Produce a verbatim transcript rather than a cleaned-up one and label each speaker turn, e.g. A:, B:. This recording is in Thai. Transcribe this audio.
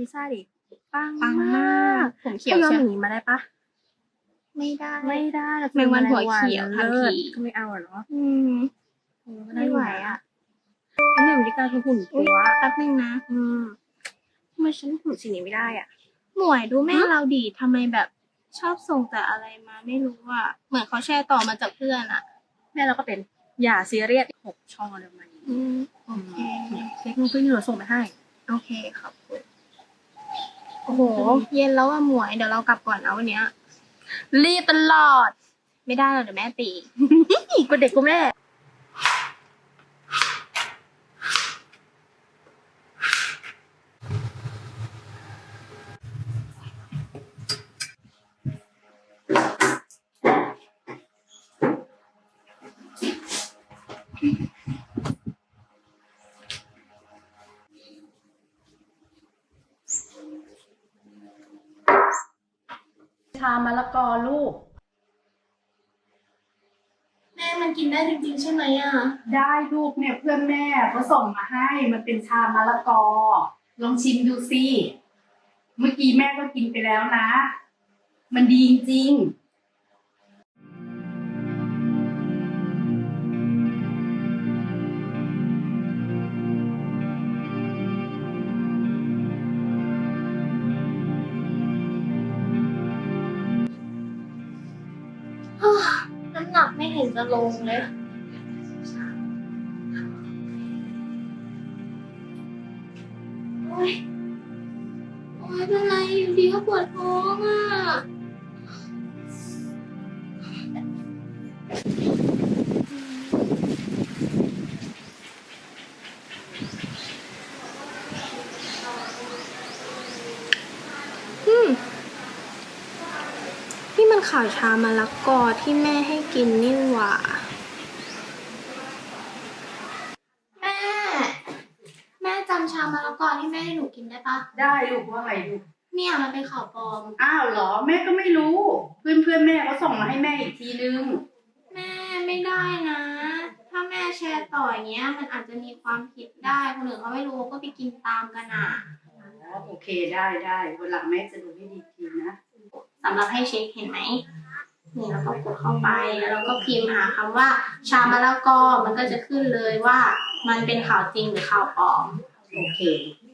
A: ซ่าดิปัง
B: ปัง
A: ม
B: มา
A: าก
B: กผมเขียว
A: ถ้ายอม
B: ใช่
A: อย่างนี้มาได้ปะ
B: ไม่ได้
A: ไม่ได้
B: แมงวันหัวเขียวทันที
A: ก็ไม่เอาอะเนาะ
B: อืม
A: เออก็ด้
B: ไม่ไหวอ่ะ
A: อันนี้วิธีการคือหุ่น
B: อุ๊
A: ตั
B: ยว แป๊บนึงนะ
A: อืมทำไมฉันหุ่นสีนี้ไม่ได้อ่ะ
B: หมวยดูแม่
A: ฮะ
B: เราดีทำไมแบบชอบส่งแต่อะไรมาไม่รู้อ่ะ เหมือนเขาแชร์ต่อมาจากเพื่อนอ่ะ
A: แม่เราก็เป็นอย่าซีเรียสหกช่องอะไรประมาณนี้
B: อืม โอเค
A: เค้กนุ้งพี่นี่เราส่งไปให้
B: โอเคขอบคุณ โอ้โห เย็นแล้วอ่ะหมวย เดี๋ยวเรากลับก่อนนะวันเนี้ย
A: รีบตลอด
B: ไม่ได้หรอกเดี๋ยวแม่ตี
A: อีกกว่าเด็กกว่าแม่
C: ชามะละกอลูก
B: แม่มันกินได้จริงๆใช่ไหมอ่ะ
C: ได้ลูกเนี่ยเพื่อนแม่เขาส่งมาให้มันเป็นชามะละกอ ลองชิมดูสิเมื่อกี้แม่ก็กินไปแล้วนะ มันดีจริงๆ
B: น้ำหนักไม่เห็นจะลงเลย โอ๊ย โอ๊ยเป็นไรอยู่ดีก็ปวดท้องอ่ะ อืม นี่มันข่าวชามะละกอที่แม่ให้กินนี่หว่า แม่ แม่จำชามะละกอที่แม่ให้หนูกินได้ปะ
C: ได้ลูกว่าไงลูก
B: เนี่ยมันเป็นข่าวปลอม
C: อ้าวเหรอแม่ก็ไม่รู้ เพื่อนเพื่อนๆแม่เขาส่งมาให้แม่อีกทีนึง
B: แม่ไม่ได้นะ ถ้าแม่แชร์ต่ออย่างเงี้ย มันอาจจะมีความผิดได้คนอื่นเขาไม่รู้ก็ไปกินตามกันอ่ะ
C: อ๋อโอเคได้ได้วันหลังแม่จะดูให้ดีทีนะ
B: สำหรับให้เช็คเห็นไหมนี่แล้วก็กดเข้าไปแล้วเราก็พิมพ์หาคำว่า ชามะละกอมันก็จะขึ้นเลยว่ามันเป็นข่าวจริงหรือข่าวปลอม
C: โอเค